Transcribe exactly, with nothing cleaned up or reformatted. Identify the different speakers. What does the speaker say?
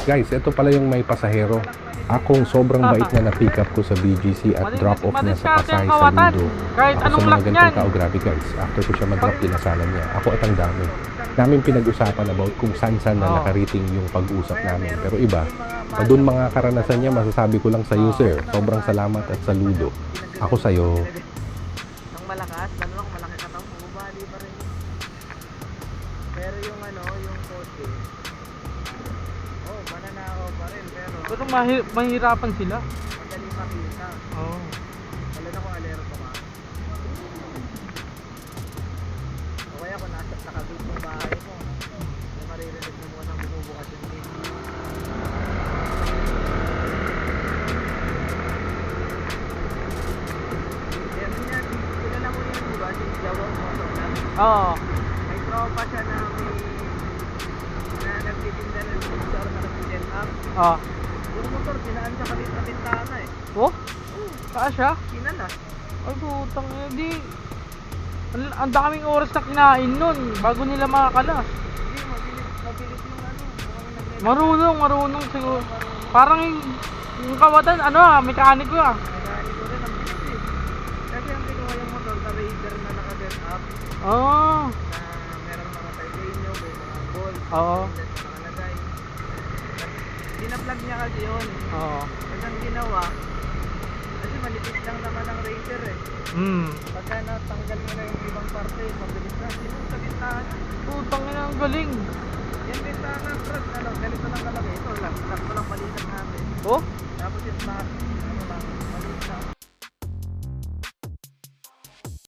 Speaker 1: Guys, ito pala yung may pasahero. Akong sobrang bait na na-pick up ko sa B G C at drop off niya sa Pasay sa Ludo.
Speaker 2: Kahit
Speaker 1: Ako
Speaker 2: anong
Speaker 1: sa mga
Speaker 2: lock
Speaker 1: ganitong
Speaker 2: yan.
Speaker 1: tao, grabe guys. After ko siya mag-drop, pinasalan niya. Ako at ang dami. Namin pinag-usapan about kung saan-saan na
Speaker 2: Oo.
Speaker 1: nakarating yung pag-usap namin. Pero iba, pa dun mga karanasan niya, masasabi ko lang sa iyo, sir. Sobrang salamat at saludo. Ako sa'yo.
Speaker 3: Ang malakas, lalo na kung malaki ka tao, bumabali pa rin. Pero yung ano, yung kotse, oh, mananakaw pa rin, pero
Speaker 2: Pero mahi- mahirapan sila.
Speaker 3: madaling makita.
Speaker 2: Oo.
Speaker 3: Lalo na kung alerto ka. O kaya kung nasa nakagate yung bahay mo, may maririnig mo muna bumubukas yung gate. Kaya ganyan, kilala mo yun, di ba? Si Jawang Motolan.
Speaker 2: Oo.
Speaker 3: May tropa siya na may na nagtitinda ng motor na nag-set up.
Speaker 2: Ah.
Speaker 3: Yung motor, sinaan sa kalit na bintana eh.
Speaker 2: Oh? Saan siya?
Speaker 3: Sinala.
Speaker 2: Ay, putang ina, di. Ang, ang daming oras na kinain nun bago nila makakalas.
Speaker 3: Hindi, mabilis, mabilis yung ano. Mukhang nag-
Speaker 2: Marunong, marunong siguro. Parang yung, yung kawatan, ano ah, mekaniko ah.
Speaker 3: Nagani ko rin, ang bilis eh. Kasi ang kinuha yung motor sa Raider na naka-set up
Speaker 2: Oo.
Speaker 3: na merong mga titanium, may mga gold,
Speaker 2: Oo.
Speaker 3: stainless na nakalagay. Dinaplug niya kasi yun.
Speaker 2: Oo.
Speaker 3: Kasi ang ginawa, kasi manipis lang naman ang Raider eh.
Speaker 2: Hmm.
Speaker 3: Pagka natanggal mo na yung ibang parte, mabilis na. Sinong sa bintana?
Speaker 2: Putang ina, ang galing.
Speaker 3: Yung bintana, Brad, ano, ganito lang kalaki. Ito lang, sakto lang balikan namin.
Speaker 2: Oh?
Speaker 3: Tapos yung back, ano lang, maliit lang.